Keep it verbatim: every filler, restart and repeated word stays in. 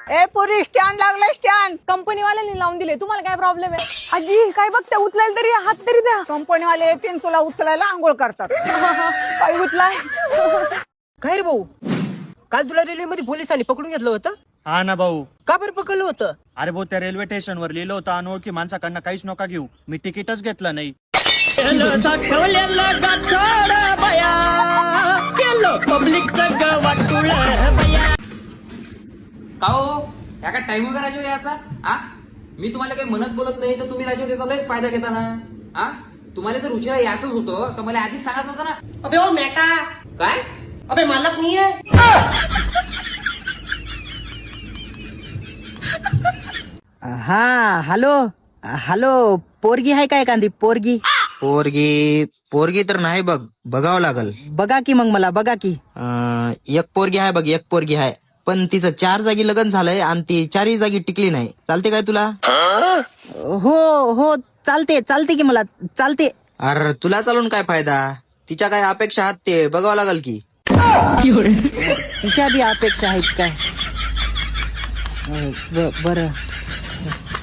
ए पुरी स्टँड लागलाय stand. Company वाल्यांनी लावून दिले, तुम्हाला काय प्रॉब्लेम आहे? आजी काय बघता, उचलायला तरी हात तरी द्या. कंपनी वाले येतील तुला उचलायला, आंघोळ करतात. काय उचलाय? काय रे भाऊ, काल तुला रेल्वे मध्ये पोलिसांनी पकडून घेतलं होतं? हा ना भाऊ. का बरं पकडलं होतं? अरे भाऊ, त्या रेल्वे स्टेशनवर लिहिलं होतं अनोळखी माणसाकडनं काहीच नका घेऊ. मी तिकीटच घेतलं नाही. का हो या काय टाइम वगैरे राजो याचा? आ मी तुम्हाला काही म्हणत बोलत नाही तर तुम्ही राजो त्याचा लयच फायदा घेता ना. आ तुम्हाला जर उशिरा याचंच होतं तर मला आधीच सांगायचं होतं ना. अबे ओ मेटा, काय? अबे मालक नहीं है? हा हॅलो हॅलो, पोरगी आहे काय एखादी पोरगी? पोरगी पोरगी तर नाही बघ, बघावं लागल. बघा की मग मला बघा की. अं, एक पोरगी आहे बघ, एक पोरगी आहे, पण तिचं चार जागी लग्न झालंय आणि ती चारही जागी टिकली नाही. चालते काय तुला? हो हो चालते चालते की मला चालते. अरे तुला चालून काय फायदा, तिच्या काय अपेक्षा आहात ते बघावं लागल की. तिच्या बी अपेक्षा आहेत काय? ब- बरं